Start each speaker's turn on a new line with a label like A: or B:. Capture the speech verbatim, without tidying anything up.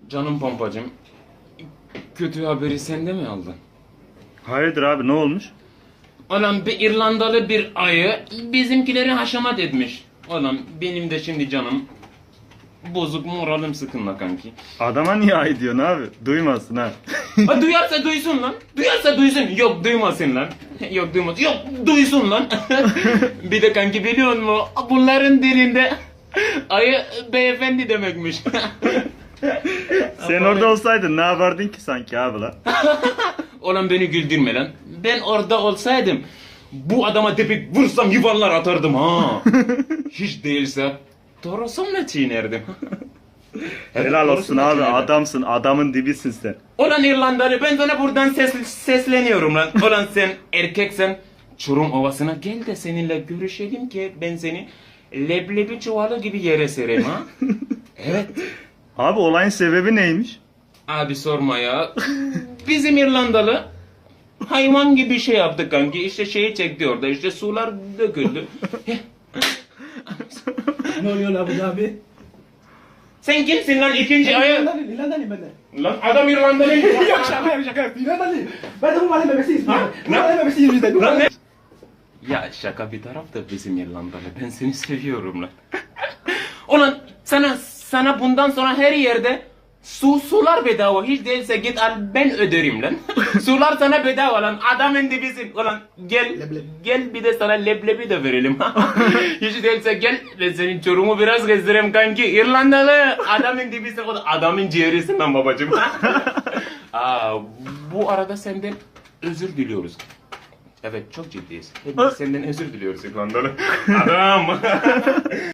A: Canım pompacım, kötü haberi sen de mi aldın?
B: Hayırdır abi, ne olmuş?
A: Ulan bir İrlandalı bir ayı bizimkileri haşamat etmiş. Ulan benim de şimdi canım bozuk, moralim sıkınla kanki.
B: Adama niye ay diyorsun abi? Duymasın ha.
A: Ha, duyarsa duysun lan. Duyarsa duysun. Yok duymasın lan. Yok duymasın. Yok duysun lan. Bir de kanki biliyor musun? Bunların dilinde ayı beyefendi demekmiş.
B: Sen orada olsaydın ne yapardın ki sanki abi lan?
A: Ulan beni güldürme lan. Ben orada olsaydım bu adama tepik vursam yuvarlar atardım ha. Hiç değilse torosumla çiğnerdim. Evet,
B: Helal olsun
A: torosumla
B: abi,
A: çiğnerdim.
B: adamsın, adamın dibisin sen.
A: Ulan İrlandalı, ben sana buradan ses, sesleniyorum lan. Ulan sen erkeksen Çorum Ovası'na gel de seninle görüşelim ki ben seni leblebi çuvalı gibi yere sereyim ha. Evet.
B: Abi olayın sebebi neymiş?
A: Abi sorma ya. Bizim İrlandalı hayvan gibi şey yaptı kanki. İşte şeyi çekti orada, işte sular döküldü.
C: Ne oluyor lan bu abi?
A: Sen kimsin lan ikinci ayı?
C: İrlandalı, İrlandalıyım ben de.
A: Lan adam İrlandalı.
C: Yok şaka yap şaka yap. İrlandalıyım. Ben de bu mahalle bebesiyiz.
A: Ha?
C: Bu mahalle bebesiyiz biz de. Bu
A: Lan
C: mahalle-
A: ne? Ya şaka bir taraf da bizim İrlandalı. Ben seni seviyorum lan. Ulan sana sana bundan sonra her yerde su sular bedava. Hiç değilse git al, ben öderim lan. Sular sana bedava lan. Adamın dibisin. Ulan gel
C: Leblebi.
A: gel bir de sana leblebi de verelim. Hiç değilse gel ben senin Çorum'u biraz gezdireyim kanki. İrlandalı adamın dibisin. O da adamın ciğerisin lan babacığım. Aa, bu arada senden özür diliyoruz. Evet, çok ciddiyiz. Hepimiz senden özür diliyoruz İrlandalı. Adam.